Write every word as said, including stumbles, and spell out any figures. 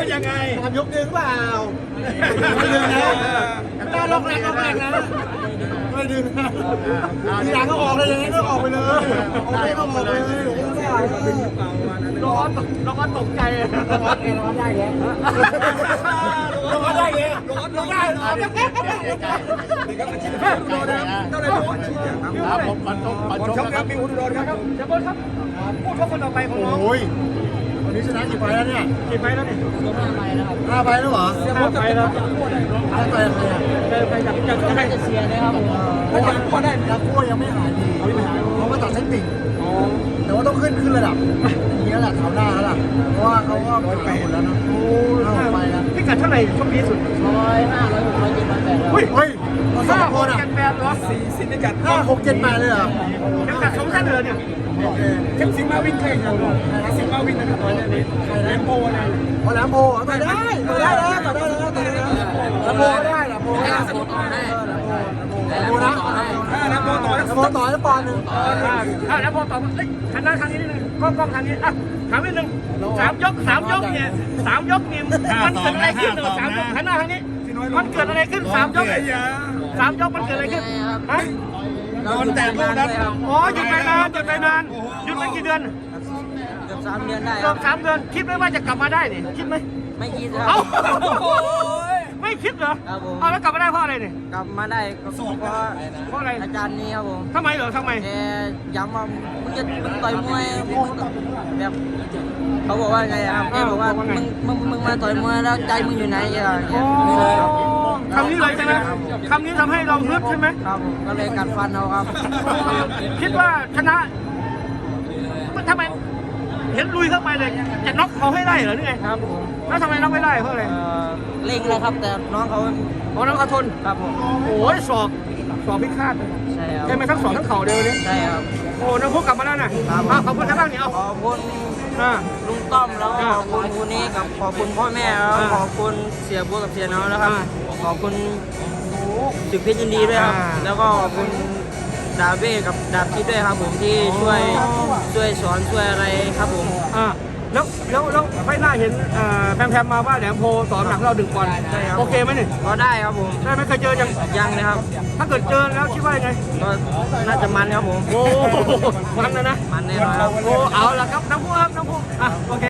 ยังไงทำยกดึงเปล่าไม่ดึงนะไม่ได้ล็อกแรงล็อกแรงนะไม่ดึงนะทีหลังก็ออกเลยอย่างนี้ก็ออกไปเลยออกไปก็ออกเลยร้อนร้อนตกใจร้อนเองร้อนได้แกร้อนได้แกร้อนร้อนได้ร้อนได้ครับผมปันชกปันชกครับมีอุดรครับเจ้าบอลครับผู้ชกคนต่อไปของน้องโอ้ยวันนี้ชนะกี่ไฟแล้วเนี่ยกี่ไฟแล้วนี่ห้าไฟแล้วเหรอห้าไฟแล้วห้าไฟอะไรอ่ะเจอไปจากจากใครจะเชียร์นะครับผมถ้ายังก็ได้ยังก็ยังไม่หายดีเขาก็ตัดเส้นติ่งแต่ว่าต้องขึ้นขึ้นระดับอย่างนี้แหละเขาหน้าแล้วล่ะเพราะว่าเขาก็ไปหมดแล้วนะโอ้ห้าไฟแล้วพิกัดเท่าไหร่ชกดีสุดร้อยห้าร้อยหกร้อยเจ็ดร้อยแปดเฮ้ยเฮ้ยมาสห้าองหคกนอ่ะเจ็ดแปดเหรอสี่สิบพิกัดห้าหกเจ็ดแปดเลยเหรอพิกัดสองท่านเลยเนี่ยโอเคเข็มสิงมาวิ่งแข่งกันสิงมาวิ่งนะครับตอนนี้แลมโบนะพอแล้วโพต่อได้ต่อได้แล้วต่อได้แล้วต่อได้แล้วโพได้ละโพได้โพได้โพนะแลมโบต่อแล้วโพต่อแล้วปอนหนึ่งอ่าแลมโบต่อเอ้ยทางด้านทางนี้นิดนึงกล้องกล้องทางนี้อ่ะถามนิดนึงสามยกสามยกเนี่ยสามยกเนี่ยมันเกิดอะไรขึ้นเนอะสามยกหันหน้าทางนี้มันเกิดอะไรขึ้นสามยกสามยกมันเกิดอะไรขึ้นฮะโดนแต่ลูกนั้นครับอ๋อหยุดไปนานหยุดไปนานหยุดไปกี่เดือนเกือบสามเดือนได้คเกืรัอบบสามเดือนคิดไหมว่าจะกลับมาได้เนี่ยคิดไหมไม่คิดครัเอ้าบไม่คิดเหรอครับผมเอาแล้วกลับมาได้เพราะอะไรเนี่ยกลับมาได้ก็เพราะเพราะอะไรอาจารย์นี้ครับผมทำไมเหรอทำไมแกย้ำว่ามึงจะมึงต่อยมวยมึงแบบเขาบอกว่าไงอะครับแกบอกว่ามึงมึงมึงมาต่อยมวยแล้วใจมึงอยู่ไหนอย่างเงี้อ๋อยครับคำนี้เลยใช่ไหมคำนี้ทำให้เราฮึดใช่ไหมครับผมก็เลยกัดฟันเอาครับคิดว่าชนะทำไมเห็นลุยเข้าไปเลยจะน็อกเขาให้ได้เหรอนี่ไงครับผมแล้วทำไมน็อกไม่ได้เพราะอะไรเอ่อเล่งเลยครับแต่น้องเขาเพราะน้องเขาทนครับผมโอ้ยศอกศอกพิฆาตใช่ครับใช่ไหมทั้งศอกทั้งเข่าเดียวนี้ใช่ครับโอ้น้องพวกกลับมาแล้วนะอ่ะขอบคุณครับบ้างเนี่ยเอาขอบคุณอ่าลุงต้อมแล้วก็อ่าขอบคุณคุณนี้กับขอบคุณพ่อแม่แล้วอ่าขอบคุณเสียบัวกับเสียน้องนะครับอ่าขอบคุณสิบเพชรยินดีด้วยครับอ่าแล้วก็ขอบคุณดาเบ้กับดาบคิดด้วยครับผมที่ช่วยช่วยสอนช่วยอะไรครับผมอ่าแล้วแล้วแล้วไฟหน้าเห็นอ่าแพมๆมาว่าแหลมโพสอนหนักเราดึงบอลใช่ครับโอเคไหมเนี่ยก็ได้ครับผมได้ไหมเคยเจอยังยังเลยครับถ้าเกิดเจอแล้วคิดว่ายังไงก็น่าจะมันครับผมโอ้มันนะนะมันแน่นอนครับโอ้เอาละครับน้ำพุครับน้ำพุอ่ะโอเค